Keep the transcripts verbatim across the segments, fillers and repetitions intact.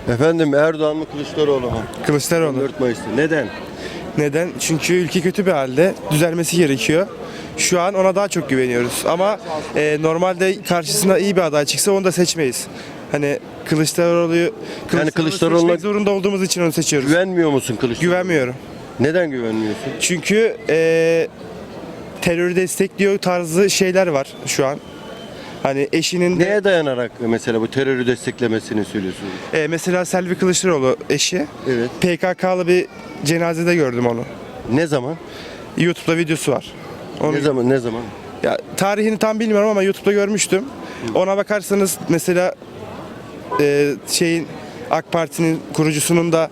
Efendim Erdoğan mı Kılıçdaroğlu mu? Kılıçdaroğlu. dört Mayıs'ta. Neden? Neden? Çünkü ülke kötü bir halde. Düzelmesi gerekiyor. Şu an ona daha çok güveniyoruz. Ama e, normalde karşısına iyi bir aday çıksa onu da seçmeyiz. Hani Kılıçdaroğlu'yu Kılıçdaroğlu Kılıçdaroğlu'na seçmek zorunda olduğumuz için onu seçiyoruz. Güvenmiyor musun Kılıçdaroğlu? Güvenmiyorum. Neden güvenmiyorsun? Çünkü e, terörü destekliyor tarzı şeyler var şu an. Hani eşinin de, Neye dayanarak mesela bu terörü desteklemesini söylüyorsun? e, mesela Selvi Kılıçdaroğlu eşi Evet. P K K'lı bir cenazede gördüm onu. Ne zaman? YouTube'da videosu var. Onu Ne zaman? Ne zaman? Ya tarihini tam bilmiyorum ama YouTube'da görmüştüm. Ona bakarsanız mesela e, şeyin AK Parti'nin kurucusunun da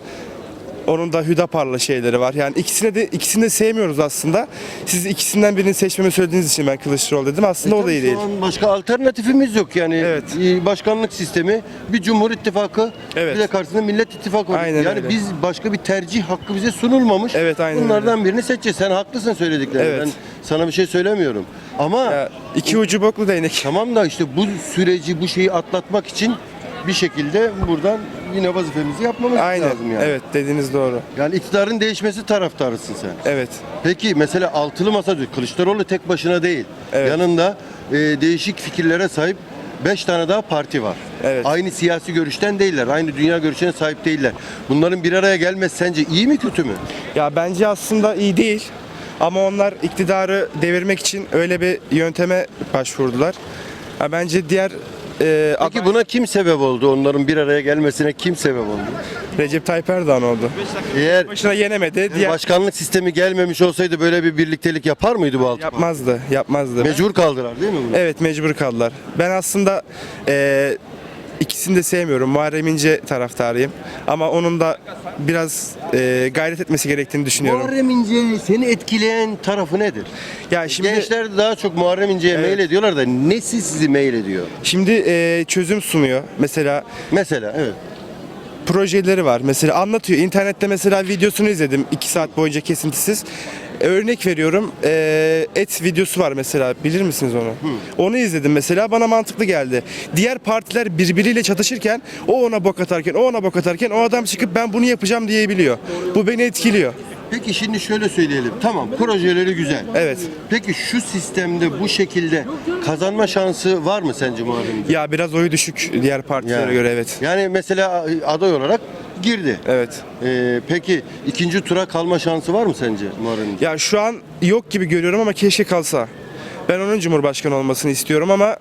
onun da Hüdapar'la şeyleri var. Yani ikisini de ikisini de sevmiyoruz aslında. Siz ikisinden birini seçmemi söylediğiniz için ben Kılıçdaroğlu dedim. Aslında o da iyi Şu değil. an başka alternatifimiz yok yani. Evet. Ee, Başkanlık sistemi, bir Cumhur İttifakı, Evet. bir de karşısında Millet İttifakı var. Aynen Yani öyle. biz başka bir tercih hakkı bize sunulmamış. Evet, aynen Bunlardan birini seçeceğiz. Sen haklısın söylediklerinde. Evet. Ben sana bir şey söylemiyorum. Ama Ya, iki ucu boklu değnek. tamam da işte bu süreci, bu şeyi atlatmak için bir şekilde buradan yine vazifemizi yapmamız Aynen. lazım yani. Evet, dediğiniz doğru. Yani iktidarın değişmesi taraftarısın sen. Evet. Peki mesela altılı masa diyor. Kılıçdaroğlu tek başına değil. Evet. Yanında e, değişik fikirlere sahip beş tane daha parti var. Evet. Aynı siyasi görüşten değiller. Aynı dünya görüşüne sahip değiller. Bunların bir araya gelmesi sence iyi mi kötü mü? Ya bence aslında iyi değil. Ama onlar iktidarı devirmek için öyle bir yönteme başvurdular. Ya bence diğer e, Peki aday- buna kim sebep oldu? Onların bir araya gelmesine kim sebep oldu? Recep Tayyip Erdoğan oldu. Eğer Başına yenemedi. Diğer başkanlık sistemi gelmemiş olsaydı böyle bir birliktelik yapar mıydı bu altı parti? yapmazdı, yapmazdı. Mecbur kaldılar değil mi bunu? Evet, mecbur kaldılar. Ben aslında e, ikisini de sevmiyorum. Muharrem İnce taraftarıyım. Ama onun da biraz e, gayret etmesi gerektiğini düşünüyorum. Muharrem İnce'yi seni etkileyen tarafı nedir? Ya şimdi Gençler de daha çok Muharrem İnce'ye Evet. mail ediyorlar da nesi sizi mail ediyor? şimdi e, çözüm sunuyor. Mesela Mesela evet. projeleri var. Mesela anlatıyor. İnternette mesela videosunu izledim iki saat boyunca kesintisiz. E, Örnek veriyorum. e, et videosu var mesela. Bilir misiniz onu? Onu izledim mesela. Bana mantıklı geldi. Diğer partiler birbiriyle çatışırken o ona bok atarken, o ona bok atarken o adam çıkıp ben bunu yapacağım diyebiliyor. Bu beni etkiliyor. Peki şimdi şöyle söyleyelim. Tamam projeleri güzel. Evet. Peki şu sistemde bu şekilde kazanma şansı var mı sence Muharrem İnce? Ya biraz oyu düşük diğer partilere Yani. göre, evet. Yani mesela aday olarak girdi. Evet. Ee, peki ikinci tura kalma şansı var mı sence Muharrem İnce? Ya şu an yok gibi görüyorum ama keşke kalsa. Ben onun Cumhurbaşkanı olmasını istiyorum ama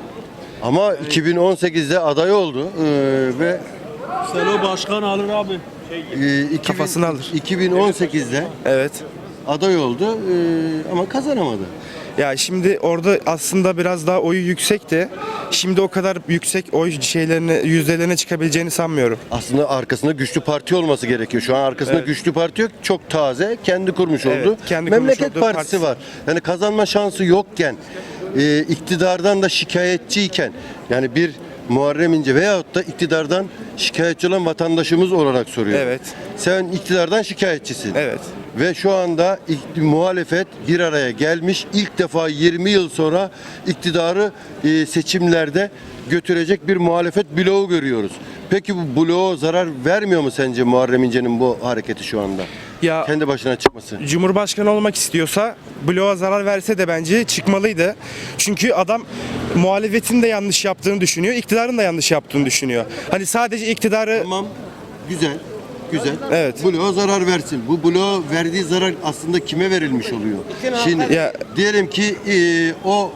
Ama iki bin on sekizde aday oldu ee, ve Sen o başkan alır abi. e, iki bin Kafasını alır. iki bin on sekizde evet. aday oldu ee, ama kazanamadı. Ya şimdi orada aslında biraz daha oyu yüksekti. Şimdi o kadar yüksek oy şeylerine, yüzdelerine çıkabileceğini sanmıyorum. Aslında arkasında güçlü parti olması gerekiyor. Şu an arkasında Evet. güçlü parti yok. Çok taze, kendi kurmuş Evet, oldu. kendi kurmuş Memleket olduğu Partisi partisi. var. Yani kazanma şansı yokken, e, iktidardan da şikayetçiyken, yani bir Muharrem İnce veyahut da iktidardan şikayetçi olan vatandaşımız olarak soruyor. Evet. Sen iktidardan şikayetçisin. Evet. Ve şu anda ik- muhalefet bir araya gelmiş. İlk defa yirmi yıl sonra iktidarı e, seçimlerde götürecek bir muhalefet bloğu görüyoruz. Peki bu bloğa zarar vermiyor mu sence Muharrem İnce'nin bu hareketi şu anda? Ya Kendi başına çıkması. Cumhurbaşkanı olmak istiyorsa bloğa zarar verse de bence çıkmalıydı. Çünkü adam muhalefetin de yanlış yaptığını düşünüyor, iktidarın da yanlış yaptığını düşünüyor. Hani sadece iktidarı Tamam. Güzel. Güzel. Evet. Bloğa zarar versin. Bu bloğa verdiği zarar aslında kime verilmiş oluyor? Şimdi Ya- diyelim ki e, o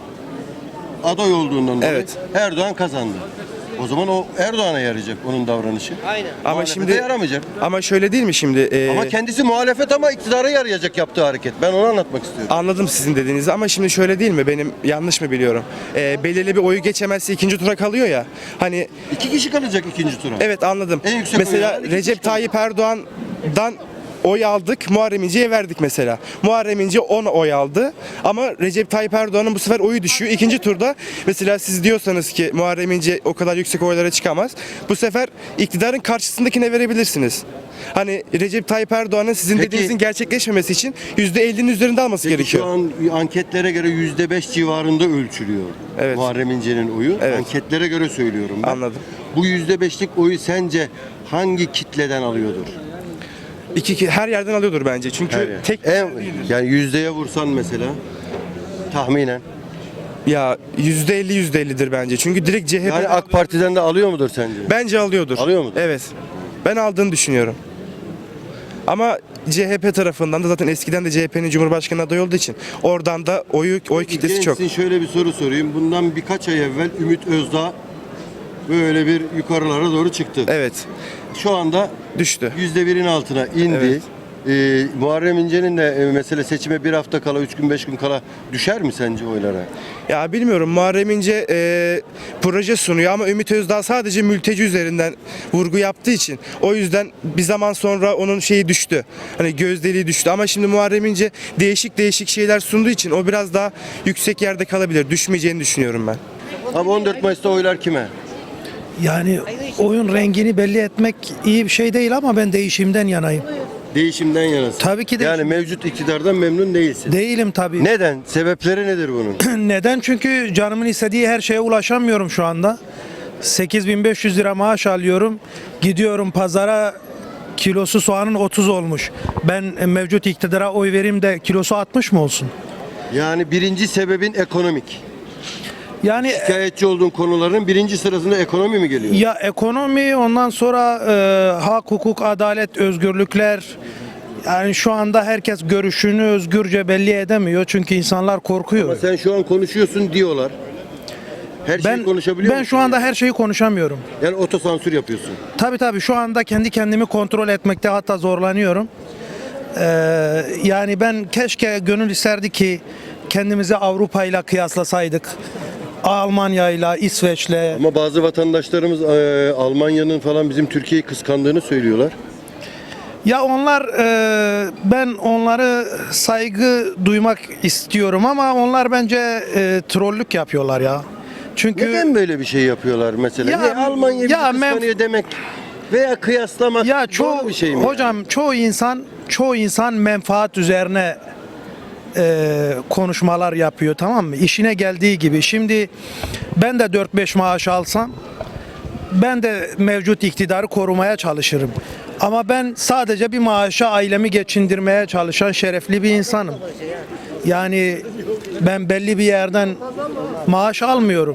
aday olduğundan dolayı Evet. Erdoğan kazandı. O zaman o Erdoğan'a yarayacak onun davranışı. Aynen. ama Muhalefete şimdi yaramayacak. ama şöyle değil mi şimdi? Ee, Ama kendisi muhalefet ama iktidara yarayacak yaptığı hareket. Ben onu anlatmak istiyorum. Anladım sizin dediğinizi ama şimdi şöyle değil mi? Benim yanlış mı biliyorum? Ee, belirli bir oyu geçemezse ikinci tura kalıyor ya. Hani İki kişi kalacak ikinci tura. evet, anladım. En yüksek Mesela oyu alan iki Recep kişi Tayyip Erdoğan'dan oy aldık, Muharrem İnce'ye verdik mesela. Muharrem İnce on oy aldı ama Recep Tayyip Erdoğan'ın bu sefer oyu düşüyor. İkinci turda mesela siz diyorsanız ki Muharrem İnce o kadar yüksek oylara çıkamaz. Bu sefer iktidarın karşısındakine verebilirsiniz. Hani Recep Tayyip Erdoğan'ın sizin Peki- dediğinizin gerçekleşmemesi için yüzde ellinin üzerinde alması Peki gerekiyor. şu an anketlere göre yüzde beş civarında ölçülüyor. Evet. Muharrem İnce'nin oyu. Evet. Anketlere göre söylüyorum ben. Anladım. Bu yüzde beşlik oyu sence hangi kitleden alıyordur? İki, ki- her yerden alıyordur bence. Çünkü Her yer. tek En, yani yüzdeye vursan mesela tahminen. ya yüzde elli yüzde ellidir bence. Çünkü direkt C H P Yani AK Parti'den de alıyor mudur sence? bence alıyordur. Alıyor mudur? Evet. Ben aldığını düşünüyorum. Ama C H P tarafından da zaten eskiden de C H P'nin Cumhurbaşkanı adayı olduğu için oradan da oyu oy kitlesi çok. Gençsin, şöyle bir soru sorayım. Bundan birkaç ay evvel Ümit Özdağ böyle bir yukarılara doğru çıktı. Evet. Şu anda Düştü. yüzde birin altına indi. Evet. Ee, Muharrem İnce'nin de e, mesela seçime bir hafta kala, üç gün beş gün kala düşer mi sence oylara? Ya bilmiyorum, Muharrem İnce e, proje sunuyor ama Ümit Özdağ sadece mülteci üzerinden vurgu yaptığı için o yüzden bir zaman sonra onun şeyi düştü. Hani gözdeliği düştü ama şimdi Muharrem İnce değişik değişik şeyler sunduğu için o biraz daha yüksek yerde kalabilir. Düşmeyeceğini düşünüyorum ben. Abi on dört Mayıs'ta oylar kime? Yani oyun rengini belli etmek iyi bir şey değil ama ben değişimden yanayım. Değişimden yanasın. Tabii ki Yani değişim. mevcut iktidardan memnun değilsin. Değilim tabii. Neden? Sebepleri nedir bunun? Neden? Çünkü canımın istediği her şeye ulaşamıyorum şu anda. sekiz bin beş yüz lira maaş alıyorum. Gidiyorum pazara, kilosu soğanın otuz olmuş. Ben mevcut iktidara oy vereyim de kilosu altmış mı olsun? Yani birinci sebebin ekonomik. Yani Şikayetçi olduğun konuların birinci sırasında ekonomi mi geliyor? ya ekonomi, ondan sonra e, hak, hukuk, adalet, özgürlükler. Yani şu anda herkes görüşünü özgürce belli edemiyor çünkü insanlar korkuyor. Ama sen şu an konuşuyorsun diyorlar. Her şeyi Ben konuşabiliyor ben musun? şu anda her şeyi konuşamıyorum. Yani otosansür yapıyorsun. Tabii tabii şu anda kendi kendimi kontrol etmekte hatta zorlanıyorum. Ee, yani ben keşke gönül isterdi ki kendimizi Avrupa ile kıyaslasaydık. Almanya ile, İsveç'le. Ama bazı vatandaşlarımız e, Almanya'nın falan bizim Türkiye'yi kıskandığını söylüyorlar. Ya onlar e, ben onları saygı duymak istiyorum ama onlar bence e, trollük yapıyorlar ya. Çünkü Neden böyle bir şey yapıyorlar mesela? Ya- Niye Almanya bizi ya men- kıskanıyor demek veya kıyaslamak ya çoğu doğru bir şey mi? hocam çoğu insan çoğu insan menfaat üzerine e, konuşmalar yapıyor, tamam mı? İşine geldiği gibi. Şimdi ben de dört beş maaş alsam ben de mevcut iktidarı korumaya çalışırım. Ama ben sadece bir maaşa ailemi geçindirmeye çalışan şerefli bir insanım. Yani ben belli bir yerden maaş almıyorum.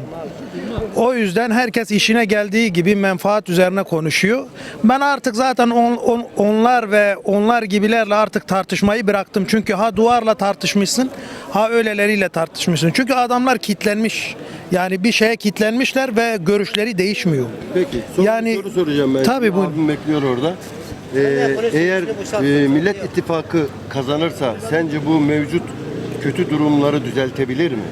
O yüzden herkes işine geldiği gibi menfaat üzerine konuşuyor. Ben artık zaten on, on- onlar ve onlar gibilerle artık tartışmayı bıraktım. Çünkü ha duvarla tartışmışsın, ha öyleleriyle tartışmışsın. Çünkü adamlar kitlenmiş. Yani bir şeye kitlenmişler ve görüşleri değişmiyor. Peki son Yani- bir soru soracağım ben. Tabii, Şimdi buyurun. abim bekliyor orada. Ee, eğer e, Millet İttifakı kazanırsa sence bu mevcut kötü durumları düzeltebilir mi?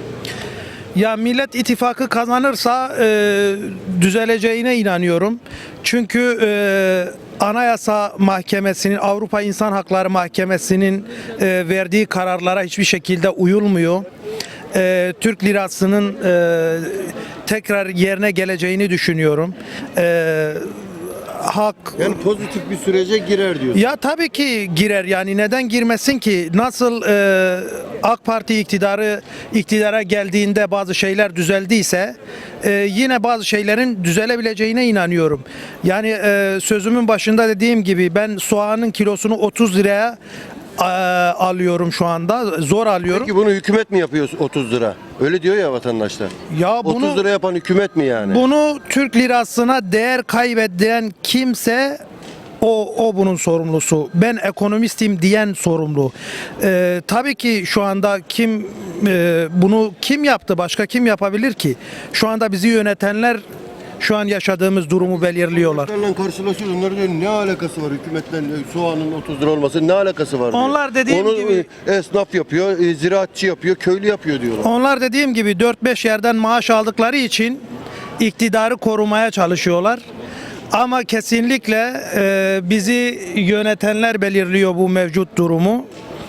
Ya Millet İttifakı kazanırsa e, düzeleceğine inanıyorum. Çünkü e, Anayasa Mahkemesi'nin, Avrupa İnsan Hakları Mahkemesi'nin e, verdiği kararlara hiçbir şekilde uyulmuyor. E, Türk lirasının e, tekrar yerine geleceğini düşünüyorum. E, hak Yani pozitif bir sürece girer diyorsun. ya tabii ki girer, yani neden girmesin ki? Nasıl e, AK Parti iktidarı iktidara geldiğinde bazı şeyler düzeldiyse e, yine bazı şeylerin düzelebileceğine inanıyorum. Yani e, sözümün başında dediğim gibi ben soğanın kilosunu otuz liraya e, alıyorum şu anda. Zor alıyorum. Peki bunu hükümet mi yapıyor otuz lira? Öyle diyor ya vatandaşlar. Ya bunu otuz lira yapan hükümet mi yani? Bunu Türk lirasına değer kaybeden kimse o, o bunun sorumlusu. Ben ekonomistim diyen sorumlu. Ee, tabii ki şu anda kim e, bunu kim yaptı? Başka kim yapabilir ki? Şu anda bizi yönetenler şu an yaşadığımız durumu belirliyorlar. Hükümetlerle karşılaşıyoruz. Onlar diyor ne alakası var hükümetle e, soğanın otuz lira olması ne alakası var diyor. Onlar dediğim Onu gibi- e, esnaf yapıyor, e, ziraatçı yapıyor, köylü yapıyor diyorlar. Onlar dediğim gibi dört beş yerden maaş aldıkları için iktidarı korumaya çalışıyorlar. Ama kesinlikle e, bizi yönetenler belirliyor bu mevcut durumu.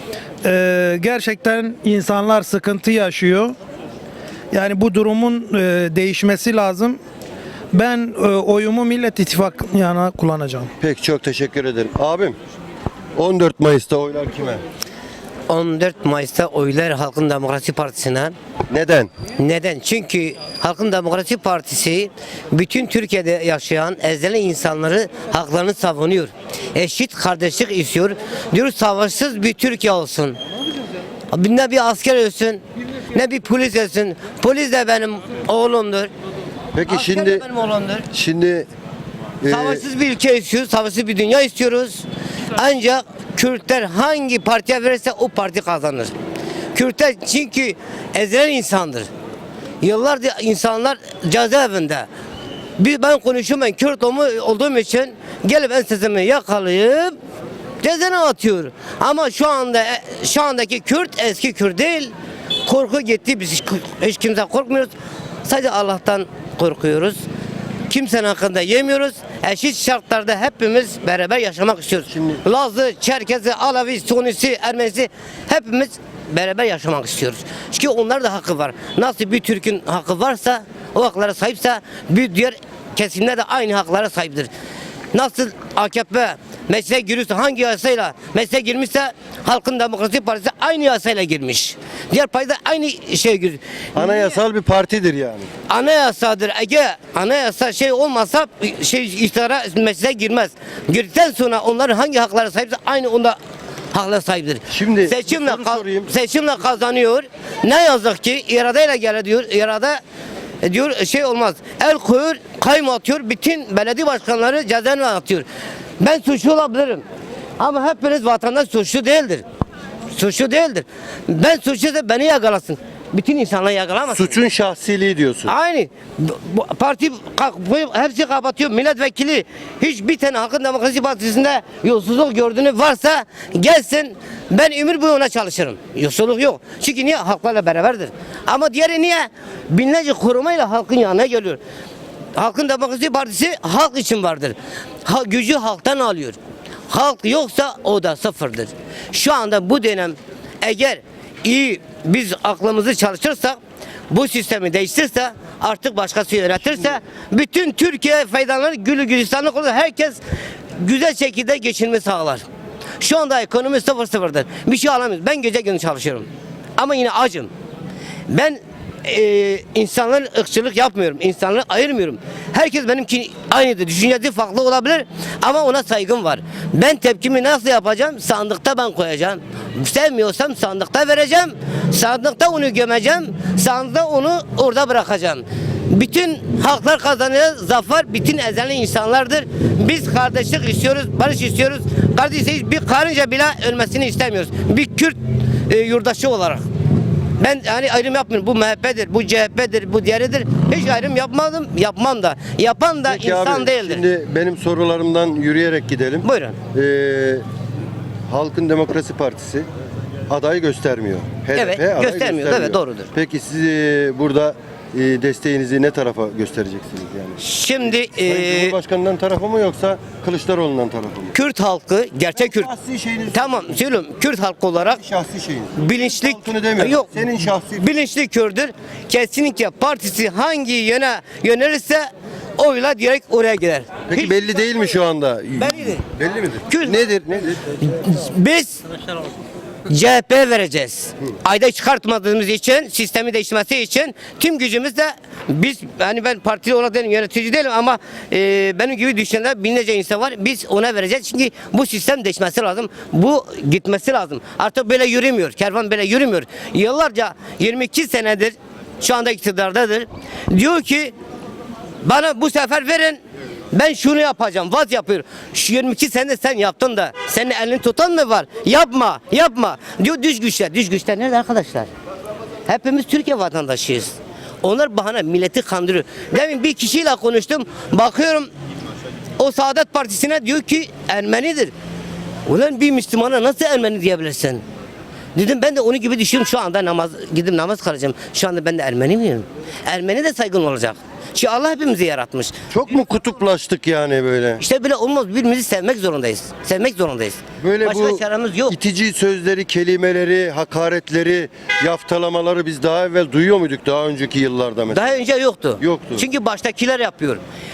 E, gerçekten insanlar sıkıntı yaşıyor. Yani bu durumun e, değişmesi lazım. Ben e, oyumu Millet İttifakı'na kullanacağım. Peki çok teşekkür ederim. Abim on dört Mayıs'ta oylar kime? on dört Mayıs'ta oylar Halkın Demokrasi Partisi'ne. Neden? Neden? Çünkü Halkın Demokrasi Partisi bütün Türkiye'de yaşayan ezilen insanları haklarını savunuyor. Eşit kardeşlik istiyor. Diyor savaşsız bir Türkiye olsun. Ne bir asker ölsün, ne bir polis ölsün. Polis de benim oğlumdur. Peki Asker şimdi de benim oğlumdur. şimdi e, Savaşsız bir ülke istiyoruz, savaşsız bir dünya istiyoruz. Ancak Kürtler hangi partiye verirse o parti kazanır. Kürtler çünkü ezilen insandır. Yıllardır insanlar cezaevinde. Bir ben konuşuyorum, ben Kürt olma- olduğum için gelip ensesimi yakalayıp cezaevine atıyor. Ama şu anda şu andaki Kürt eski Kürt değil. Korku gitti. Biz hiç, hiç kimse korkmuyoruz. Sadece Allah'tan korkuyoruz. Kimsenin hakkında yemiyoruz. Eşit şartlarda hepimiz beraber yaşamak istiyoruz. Şimdi- Lazı, Çerkezi, Alavi, Sunisi, Ermenisi hepimiz beraber yaşamak istiyoruz. Çünkü onlar da hakkı var. Nasıl bir Türk'ün hakkı varsa, o haklara sahipse bir diğer kesimler de aynı haklara sahiptir. Nasıl A K P meclise giriyorsa hangi yasayla meclise girmişse Halkın Demokrasi Partisi aynı yasayla girmiş. Diğer parti de aynı şeye giriyor. anayasal bir partidir yani. Anayasadır. Eğer anayasa şey olmasa şey iktidara meclise girmez. Girdikten sonra onların hangi haklara sahipse aynı onda haklara sahiptir. Şimdi bir seçimle soru ka- sorayım. seçimle kazanıyor. Ne yazık ki iradeyle gele diyor. İrade e, diyor şey olmaz. El koyuyor, kayyum atıyor. Bütün belediye başkanları cezaevine atıyor. Ben suçlu olabilirim. Ama hepiniz vatandaş suçlu değildir. Suçlu değildir. Ben suçluysa beni yakalasın. Bütün insanları yakalamasın. Suçun şahsiliği diyorsun. Aynı. Bu- bu Parti ka- bu- hepsi kapatıyor. Milletvekili hiçbir tane Halkın Demokrasi Partisi'nde yolsuzluk gördüğünü varsa gelsin. Ben ömür boyu ona çalışırım. Yolsuzluk yok. Çünkü niye? Halklarla beraberdir. Ama diğeri niye? Binlerce korumayla halkın yanına geliyor. Halkın Demokrasi Partisi halk için vardır. Ha, gücü halktan alıyor. Halk yoksa o da sıfırdır. Şu anda bu dönem eğer iyi biz aklımızı çalışırsak bu sistemi değiştirirse artık başkası yönetirse bütün Türkiye faydalanır, gülü gülistanlık olur. Herkes güzel şekilde geçinme sağlar. Şu anda ekonomi sıfır sıfırdır. Bir şey alamıyoruz. Ben gece gündüz çalışıyorum. Ama yine acım. Ben e, insanların ırkçılık yapmıyorum. İnsanları ayırmıyorum. Herkes benimki aynıdır. Düşüncesi farklı olabilir ama ona saygım var. Ben tepkimi nasıl yapacağım? Sandıkta ben koyacağım. Sevmiyorsam sandıkta vereceğim. Sandıkta onu gömeceğim. Sandıkta onu orada bırakacağım. Bütün haklar kazanıyor, zafer bütün ezilen insanlardır. Biz kardeşlik istiyoruz, barış istiyoruz. Kardeşiz, bir karınca bile ölmesini istemiyoruz. Bir Kürt e, yurttaşı olarak. Ben hani ayrım yapmıyorum. Bu M H P'dir, bu C H P'dir, bu diğeridir. Hiç ayrım yapmadım, yapmam da. Yapan da Peki insan abi, değildir. şimdi benim sorularımdan yürüyerek gidelim. Buyurun. Ee, Halkın Demokrasi Partisi aday göstermiyor. H D P Evet, aday göstermiyor. Evet, doğrudur. Peki siz e, burada e, desteğinizi ne tarafa göstereceksiniz yani? Şimdi Sayın e, Cumhurbaşkanı'ndan tarafa mı yoksa Kılıçdaroğlu'ndan tarafa mı? Kürt halkı, gerçek Kürt. Şahsi şeyiniz. Tamam, söylüyorum. Kürt halkı olarak Şahsi şeyiniz. bilinçli Halkını demiyorum. yok. Senin şahsi. Bilinçli Kürt'ür. Kesinlikle partisi hangi yöne yönelirse oyla direkt oraya gider. Peki Hiç- belli değil mi şu anda? Bellidir. Belli midir? Kürt- Nedir? Nedir? Biz C H P vereceğiz. Ayda çıkartmadığımız için, sistemi değişmesi için tüm gücümüzle biz, hani ben partili olarak değilim, yönetici değilim ama e, benim gibi düşünenler binlerce insan var. Biz ona vereceğiz çünkü bu sistem değişmesi lazım. Bu gitmesi lazım. Artık böyle yürümüyor. Kervan böyle yürümüyor. Yıllarca yirmi iki senedir şu anda iktidardadır. Diyor ki bana bu sefer verin. Ben şunu yapacağım. Vaz yapıyor. Şu yirmi iki sene sen yaptın da senin elini tutan mı var? Yapma, yapma. Diyor düş güçler. Düş güçler nerede arkadaşlar? Hepimiz Türkiye vatandaşıyız. Onlar bahane milleti kandırıyor. Demin bir kişiyle konuştum. Bakıyorum o Saadet Partisi'ne diyor ki Ermenidir. Ulan bir Müslümana nasıl Ermeni diyebilirsin? Dedim ben de onun gibi düşünüyorum şu anda namaz gidip namaz kılacağım. Şu anda ben de Ermeni miyim? Ermeni de saygın olacak. Çünkü Allah hepimizi yaratmış. Çok mu kutuplaştık yani böyle? İşte böyle olmaz. Birbirimizi sevmek zorundayız. Sevmek zorundayız. Böyle Başka bu çaremiz yok. itici sözleri, kelimeleri, hakaretleri, yaftalamaları biz daha evvel duyuyor muyduk daha önceki yıllarda mesela? Daha önce yoktu. Yoktu. Çünkü baştakiler yapıyor.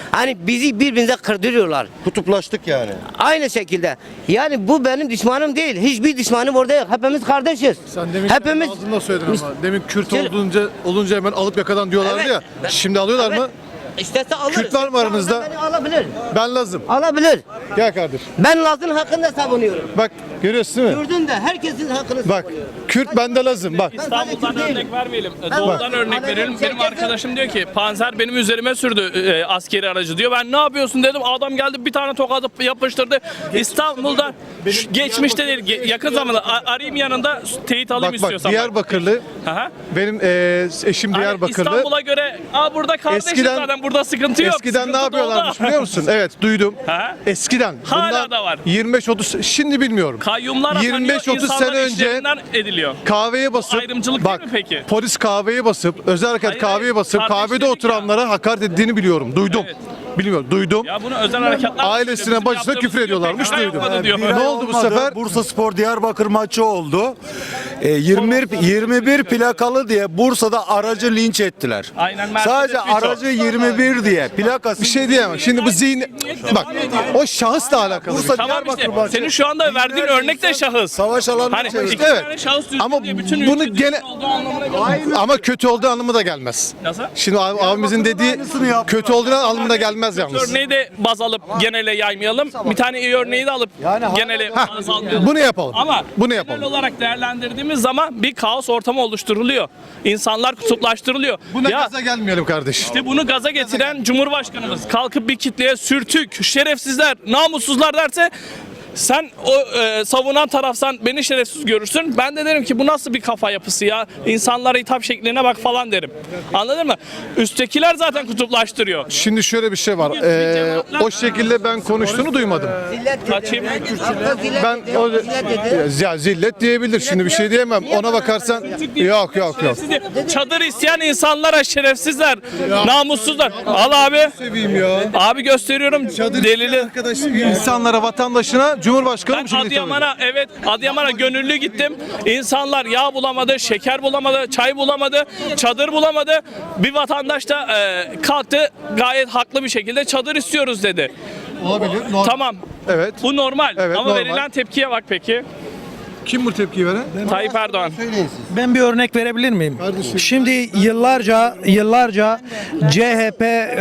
Hani bizi birbirimize kırdırıyorlar. Kutuplaştık yani. Aynı şekilde. Yani bu benim düşmanım değil. Hiçbir düşmanım orada yok. Hepimiz kardeşiz. Sen demin Hepimiz ağzında söyledin ama. Demin Kürt Şimdi- olunca, olunca hemen alıp yakadan diyorlardı Evet. ya. Şimdi alıyorlar Evet. mı? İstese alır. Kürt var mı aranızda? Beni alabilir. Ben Lazım. Alabilir. Gel kardeş. Ben Laz'ın hakkında savunuyorum. Bak görüyorsun değil mi? Gördün de herkesin hakkını Bak savunuyorum. Kürt bende Lazım bak. İstanbul'dan Kürt değilim. örnek vermeyelim. Ben- Doğudan Bak. örnek verelim. Benim Çerkez'in- arkadaşım diyor ki Panzer benim üzerime sürdü e, askeri aracı diyor. Ben ne yapıyorsun dedim. Adam geldi bir tane tokadı yapıştırdı. İstanbul'da şu- geçmişte değil ge- yakın zamanda A- arayayım yanında teyit alayım Bak bak istiyorsan. Diyarbakırlı. Aha. Benim eee, eşim Hani Diyarbakırlı. İstanbul'a göre aa burada kardeşiz Eskiden- zaten burada sıkıntı yok. Eskiden Sıkıntı ne yapıyorlarmış doğuda. biliyor musun? Evet duydum. Ha? Eskiden. Hala bundan da var. yirmi beş otuz şimdi bilmiyorum. Kayyumlar atanıyor, yirmi beş otuz insanlar sene önce işlerinden ediliyor. kahveye basıp Ayrımcılık bak değil mi peki? polis kahveye basıp özel harekat Hayır, kahveye hayır. basıp kahvede Kardeşledik oturanlara hakaret ettiğini biliyorum. Duydum. Evet. Bilmiyorum. Duydum. Ya bunu özel harekatlar Ailesine, Bizim bacısına yaptığımız küfür diyor, ediyorlarmış, P K K duydum. yapmadı diyor. Bir Ne oldu bu sefer? Bursa Spor Diyarbakır maçı oldu. E, yirmi bir, yirmi bir plakalı diye Bursa'da aracı linç ettiler. Aynen, Mercedes Sadece Vito. aracı yirmi bir diye plakası. Bir şey diyemem. Şimdi bu zihni bak o şahısla alakalı. bir şey. Tamam işte senin şu anda verdiğin örnek de şahıs. Savaş alanı Hani çevirdi. iki Evet. tane şahıs düzgün Ama diye bütün bunu ülke gene- düzgün olduğu anlamına gelmez. Ama kötü olduğu anlamı da gelmez. Nasıl? Şimdi ab- abimizin dediği kötü olduğu anlamına gelmez yalnız. Örneği de baz alıp genele yaymayalım. Bir tane iyi örneği de alıp genele baz almayalım. Bunu yapalım. Ama Bunu genel yapalım. olarak değerlendirdiğimiz zaman bir kaos ortamı oluşturuluyor. İnsanlar kutuplaştırılıyor. Buna ya gaza gelmeyelim kardeş. işte bunu gaza getiren Cumhurbaşkanımız kalkıp bir kitleye sürtük, şerefsizler, namussuzlar derse sen o e, savunan tarafsan beni şerefsiz görürsün. Ben de derim ki bu nasıl bir kafa yapısı ya? İnsanlara hitap şekline bak falan derim. Anladın mı? Üsttekiler zaten kutuplaştırıyor. Şimdi şöyle bir şey var. Ee, o şekilde ben konuştuğunu duymadım. Zillet dedi. Kaçayım? Hakkı zillet Ben dedi, o zillet dedi. ya zillet diyebilir. Şimdi bir şey diyemem. Ona bakarsan yok yok yok. Şerefsiz diye. Çadır isteyen insanlara şerefsizler, namussuzlar. Al abi. Seveyim ya. Abi gösteriyorum delili. Arkadaş insanlara, vatandaşına Cumhurbaşkanı Ben bu şekilde hitap ediyor. Adıyaman'a evet Adıyaman'a gönüllü gittim. İnsanlar yağ bulamadı, şeker bulamadı, çay bulamadı, çadır bulamadı. Bir vatandaş da e, kalktı gayet haklı bir şekilde çadır istiyoruz dedi. Olabilir. Normal. Tamam. Evet. Bu normal. Evet, Ama normal. verilen tepkiye bak peki. Kim bu tepkiyi veren? Tayyip Erdoğan. Ben bir örnek verebilir miyim? Kardeşim. Şimdi yıllarca yıllarca C H P e,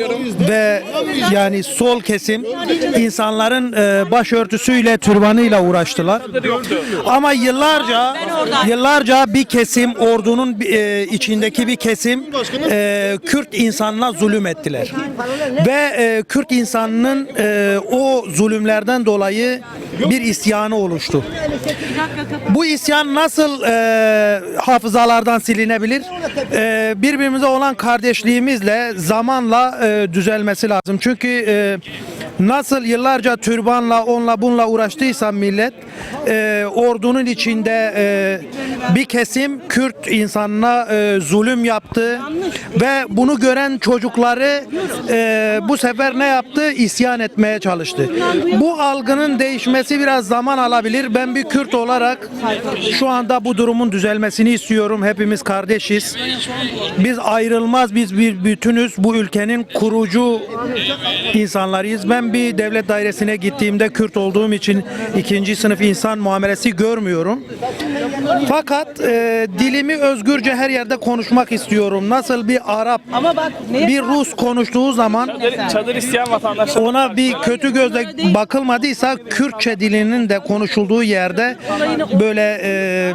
ve yani sol kesim insanların e, başörtüsüyle, türbanıyla uğraştılar. Ama yıllarca yıllarca bir kesim ordunun e, içindeki bir kesim e, Kürt insanına zulüm ettiler. Ve e, Kürt insanının e, o zulümlerden dolayı bir isyanı oluştu. Bu isyan nasıl e, hafızalardan silinebilir? E, birbirimize olan kardeşliğimizle zamanla e, düzelmesi lazım. Çünkü e, nasıl yıllarca türbanla, onunla bununla uğraştıysa millet, e, ordunun içinde e, bir kesim Kürt insanına e, zulüm yaptı ve bunu gören çocukları e, bu sefer ne yaptı? İsyan etmeye çalıştı. Bu algının değişmesi biraz zaman alabilir. Ben bir Kürt olarak şu anda bu durumun düzelmesini istiyorum. Hepimiz kardeşiz. Biz ayrılmaz, biz bir bütünüz. Bu ülkenin kurucu insanlarıyız. Ben bir devlet dairesine gittiğimde Kürt olduğum için ikinci sınıf insan muamelesi görmüyorum. Fakat e, dilimi özgürce her yerde konuşmak istiyorum. Nasıl bir Arap, bir Rus konuştuğu zaman Çadır, çadır isteyen vatandaşlar. ona bir kötü gözle bakılmadıysa Kürtçe dilinin de konuşulduğu yerde böyle e,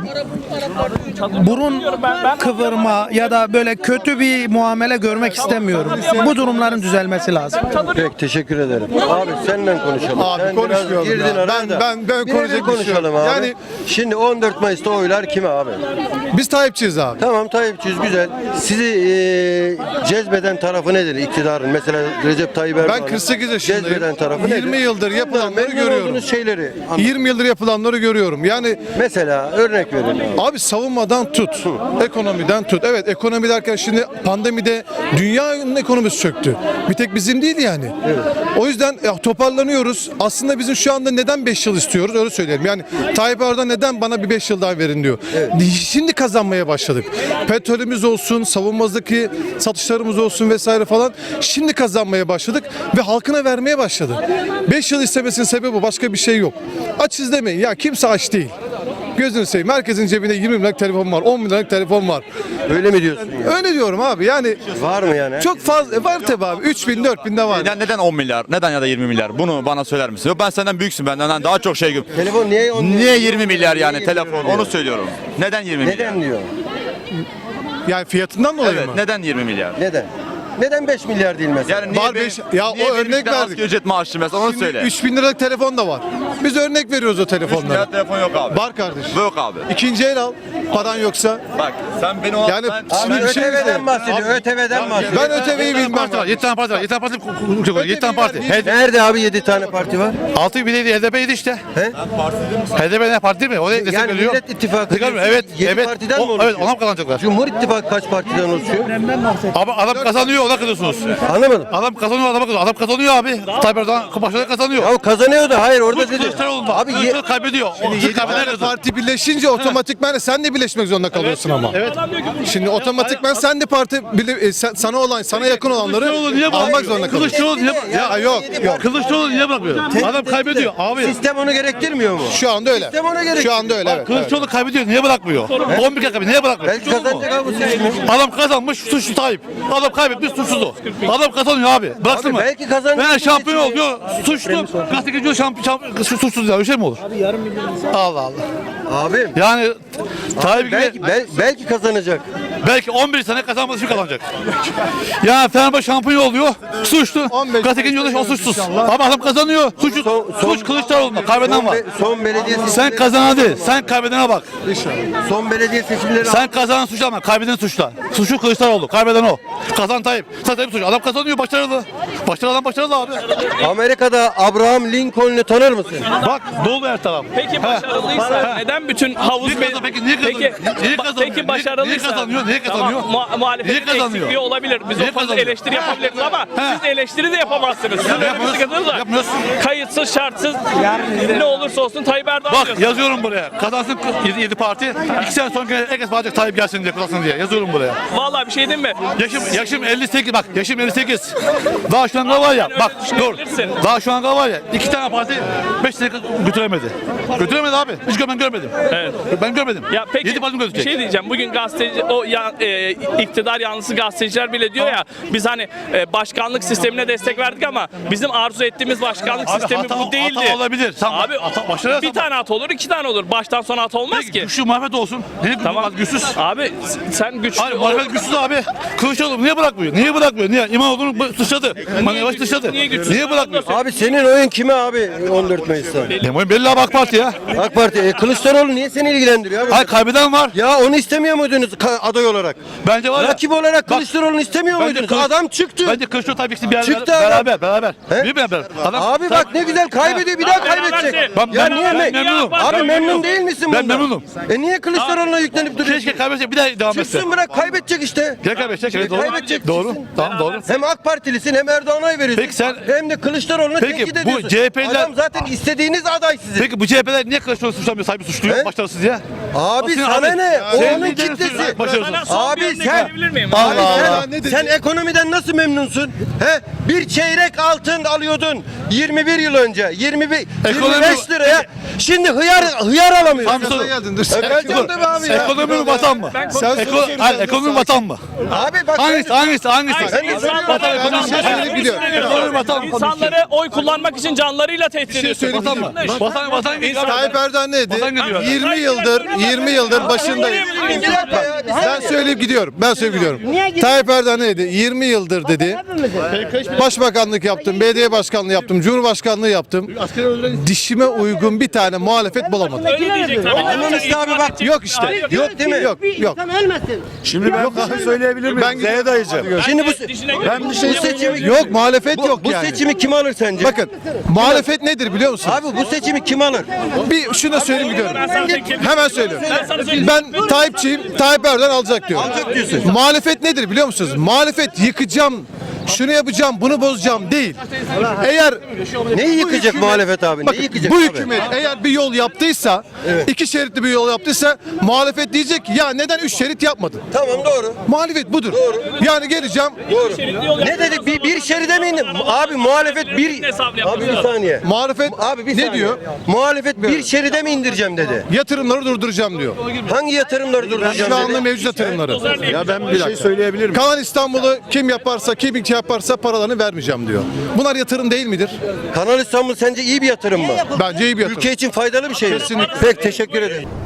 burun kıvırma ya da böyle kötü bir muamele görmek istemiyorum. Bu durumların düzelmesi lazım. Peki teşekkür ederim. Abi seninle konuşalım. Abi Sen konuşmayalım biraz girdin ya. araya Ben- da. ben- ben Birebir konuşacak bir şey yok. konuşalım abi. Yani- Şimdi on dört Mayıs'ta oylar kime abi? Biz Tayyipçiyiz abi. Tamam Tayyipçiyiz güzel. Sizi e, cezbeden tarafı nedir iktidarın? Mesela Recep Tayyip Erdoğan'ın Ben kırk sekiz yaşındayım. cezbeden tarafı nedir? yirmi yıldır yapılanları Memnun görüyorum. olduğunuz şeyleri anlat. yirmi yıldır yapılanları görüyorum. Yani Mesela örnek verin abi. abi savunmadan tut, ekonomiden tut. Evet ekonomi derken şimdi pandemide dünyanın ekonomisi çöktü. Bir tek bizim değil yani. O yüzden ya, toparlanıyoruz. Aslında bizim şu anda neden beş yıl istiyoruz öyle söyleyelim. Yani Tayyip Erdoğan neden bana bir beş yıl daha verir? verin diyor. Şimdi kazanmaya başladık. Petrolümüz olsun, savunmadaki satışlarımız olsun vesaire falan. Şimdi kazanmaya başladık ve halkına vermeye başladı. beş yıl istemesinin sebebi bu. Başka bir şey yok. Açız demeyin. Ya kimse aç değil. Gözünü seveyim. Herkesin cebinde yirmi bin liralık telefon var. on bin liralık telefon var. Öyle mi diyorsun ya? Öyle diyorum abi. Yani Var mı yani? çok fazla var tabii abi. üç bin dört bin de var. Neden, neden on milyar? Neden ya da yirmi milyar? Bunu bana söyler misin? Yok ben senden büyüksün benden daha çok şey. Telefon niye on Niye yirmi milyar yani Niye telefon? yirmi milyar? Onu söylüyorum. Neden yirmi milyar? Neden diyor? Yani fiyatından dolayı Evet, mı? neden yirmi milyar? Neden? Neden beş milyar değil mesela? Yani niye Var be- beş- ya niye o benim örnek bir tane verdik. asgari ücret maaşlı mesela onu Şimdi söyle. üç bin liralık telefon da var. Biz örnek veriyoruz o üç telefonlara. milyar telefon yok abi. Var kardeşim. Bu yok abi. İkinci el al. Paran yoksa. Bak sen beni o Yani ben, Abi şimdi bir şey ÖTV'den söyleyeyim. bahsediyor. ÖTV'den bahsediyor. Ben ÖTV'yi bilmem. yedi tane parti var. yedi tane parti yedi tane parti. Ötekiler bir- Nerede abi yedi tane parti var? altı bir de H D P'ydi işte. He? H D P ne parti mi? O da destek Yani veriyor. Millet İttifakı Destek veriyor. diyorsun, Evet. yedi Evet. partiden mi O- oluşuyor? Evet ona mı kazanacaklar? Cumhur İttifakı kaç partiden oluşuyor? Ama adam kazanıyor ona kızıyorsunuz. Anlamadım. Adam kazanıyor adama kızıyor. Adam kazanıyor abi. Tayyip Erdoğan başarılı kazanıyor. Ya kazanıyor da hayır orada Kılıç dedi. Kılıçdaroğlu'nda. Abi ye- Kılıçdaroğlu kaybediyor. O Yedi Kılıç kaybeder tane kızıyor. parti birleşince otomatikman de sen de birleşmek zorunda kalıyorsun ama. Evet. Şimdi otomatikman sen de parti bile- e, sen- sana olan sana yakın olanları Kılıçdaroğlu niye almak bırakmıyor? zorunda kalıyorsun. Kılıçdaroğlu niye Ya, Ya yok yok. Kılıçdaroğlu niye bırakmıyor? Adam kaybediyor abi. Sistem onu gerektirmiyor mu? Şu anda öyle. Sistem ona gerek- Şu anda öyle evet. evet. Kılıçdaroğlu kaybediyor. Niye bırakmıyor? on bir kere kaybediyor. Niye bırakmıyor? Belki kazanacak abi bu seçimi. Adam kazanmış suçlu Tayyip. Adam kaybetmiş suçsuz o. Adam kazanıyor abi. Bıraksın Abi mı? belki kazanacak Ben bu şampiyon seçimi. oluyor. Suçlu. Gazeteci diyor şampiyon, şampiyon suçsuz ya. Öyle şey mi olur? Abi yarım milyon insan. Allah Allah. Abim Yani Tayyip gibi belki, bel- belki kazanacak. belki on bir sene kazanması için kazanacak. Ya Fenerbahçe şampiyon oluyor. Suçlu. on beş Gazeteci diyor o suçsuz. Ama adam kazanıyor. Suçlu. Son- son- Suç Kılıçdaroğlu'nda. Kaybeden Son, var. be- son belediye Sen seçimleri kazanan değil. Sen kaybedene bak. son belediye seçimleri Sen kazanan suçlama. Kaybeden suçla. Suçlu Kılıçdaroğlu. Kaybeden o. Kazan Tayyip. Sen Tayyip suçlu. Adam kazanıyor. Başarılı. Başarılı adam başarılı abi. Amerika'da Abraham Lincoln'u tanır mısın? Bak dolu her taraf. Peki başarılıysa neden bütün havuz Niye be- kazan- peki niye kazanıyor? Peki, Niye ba- kazanıyor? Peki başarılıysa Niye kazanıyor? Niye kazanıyor? Tamam, mu- muhalefetin Niye kazanıyor? eksikliği olabilir. Biz Niye o konuda kazanıyor? eleştiri yapabiliriz ama He. siz de eleştiri de yapamazsınız. Sizin öyle bir yapmıyoruz. sıkıntınız var. Yapmıyoruz. Kayıtsız şartsız ne olursa olsun Tayyip Erdoğan Bak diyorsun. yazıyorum buraya. Kazansın yedi parti. İki sene sonra herkes bağıracak Tayyip gelsin diye kazansın diye. Yazıyorum buraya. Vallahi bir şey diyeyim mi? Yaşım yaşım elli sekiz bak yaşım elli sekiz. Daha şu anda var ya Sen bak öyle dur. düşünebilirsin. Daha şu anda var ya iki tane parti beş sene götüremedi. Götüremedi abi. Hiç gö- ben görmedim. Evet. Ben görmedim. Ya peki Yedi parti bir götürecek. şey diyeceğim. Bugün gazeteci o ya, e, iktidar yanlısı gazeteciler bile diyor ya biz hani e, başkanlık sistemine destek verdik ama bizim arzu ettiğimiz başkanlık Abi sistemi hata- bu değildi. hata olabilir. Tamam. Abi Hata- başarılı bir hata- tane hata olur, iki tane olur. Baştan sona hata olmaz Peki, ki. güçlü muhalefet olsun. Niye Tamam. güçsüz? Abi sen güçlü Abi muhalefet güçsüz abi. Kılıçdaroğlu niye bırakmıyor? Niye bırakmıyor? Niye? İmamoğlu'nu bu- dışladı. Mani Yavaş dışladı. niye güçsüz? Niye bırakmıyor? Abi senin oyun kime abi on dört Mayıs'ta? Benim oyun belli abi AK Parti ya. AK Parti. E, Kılıçdaroğlu niye seni ilgilendiriyor abi? Hayır kaybeden var. Ya onu istemiyor muydunuz ka- aday olarak? Bence var ya. Rakip olarak Bak, Kılıçdaroğlu'nu istemiyor bence muydunuz? Kılıç- Adam çıktı. Bence Kılıçdaroğlu Tayyip ikisi bir beraber, Çıktı adam. beraber, beraber. He? Bir beraber. Adam, Abi bak ne güzel kaybediyor bir daha kaybedecek. Ben, Ya ben, niye ben me- memnunum. Abi Ben memnun değil misin Ben bundan? memnunum. E niye Kılıçdaroğlu'na yüklenip duruyorsun? Keşke kaybedecek bir daha devam etse. Çıksın bırak kaybedecek işte. Gel kaybedecek. Evet, doğru. Kaybedecek, Doğru. çıksın. Tamam doğru. Hem AK Partilisin hem Erdoğan'a oy veriyorsun. Peki sen- hem de Kılıçdaroğlu'nu Peki tenkit bu ediyorsun. C H P'liler- Adam zaten istediğiniz aday sizin. Peki bu C H P'ler niye Kılıçdaroğlu suçlamıyor, sahibi suçluyor, He? başarısız diye? Abi Senin sana abi- ne? O Senin onun liderin kitlesi. suçluyor, başarısız. Sana son Abi bir örnek sen- verebilir miyim? Allah Abi Allah. sen, sen ekonomiden nasıl memnunsun? He? Bir çeyrek altın alıyordun yirmi bir yıl önce. yirmi bir, Ekonomi- yirmi beş liraya. Şimdi hıyar hıyar alamıyorsun. Tam soru. geldin, dur. E, geleceğim tabii abi ya. Ekonomi mi vatan mı? Ben Sen konuşuyorum. Eko, hayır, ekonomi mi vatan mı? Abi bak Hangisi, hangisi, hangisi? Ay, insanları- Vatan, ekonomi, insanları- vatan, gidiyor. Ekonomi, vatan mı? İnsanları oy kullanmak için canlarıyla tehdit ediyorsun. söyleyeyim. Vatan mı? Vatan, vatan gidiyor. Tayyip Erdoğan ne dedi? Vatan gidiyor. yirmi yıldır yirmi yıldır başındayım. Bir dakika ya. Ben söyleyip gidiyorum. Ben söyleyip gidiyorum. Tayyip Erdoğan ne dedi? yirmi yıldır dedi. Başbakanlık yaptım, belediye başkanlığı yaptım, cumhurbaşkanlığı yaptım. Dişime uygun bir tane muhalefet bulamadım. Öyle diyecek tabii. Anladın işte abi bak. Yok işte. Yok değil mi? Yok, yok. ölmesin. Şimdi ben bir şey söyleyebilir miyim? Ben Z'ye dayayacağım. Şimdi bu, Ben bu seçimi Yok muhalefet bu, yok bu yani. seçimi kim alır sence? Bakın muhalefet nedir biliyor musun? Abi bu seçimi kim alır? Bir şunu söyleyeyim gidiyorum. Ben sana tek- Hemen söylüyorum. Ben sana söyleyeyim. Ben Tayyipçiyim. Tayyip Erdoğan alacak diyorum. Alacak diyorsun. Muhalefet nedir biliyor musunuz? Muhalefet yıkacağım şunu yapacağım, bunu bozacağım değil. Eğer Neyi bu yıkacak muhalefet abi? Bakın, Neyi yıkacak bu abi? hükümet eğer bir yol yaptıysa, iki şeritli bir yol yaptıysa muhalefet diyecek ki ya neden üç şerit yapmadın? Tamam doğru. Muhalefet budur. Yani geleceğim. Ne dedik? Bir, bir şeride mi indi? Abi muhalefet bir... Abi bir saniye. Muhalefet Abi bir ne saniye. diyor? Muhalefet bir şeride mi indireceğim dedi. Yatırımları durduracağım diyor. Hangi yatırımları durduracağım Şu anda dedi. mevcut yatırımları. Ya ben bir şey söyleyebilir miyim? Kalan İstanbul'u kim yaparsa, kim yaparsa paralarını vermeyeceğim diyor. Bunlar yatırım değil midir? Kanal İstanbul sence iyi bir yatırım mı? Bence iyi bir yatırım. Ülke için faydalı bir şey mi? Kesinlikle. Pek teşekkür ederim.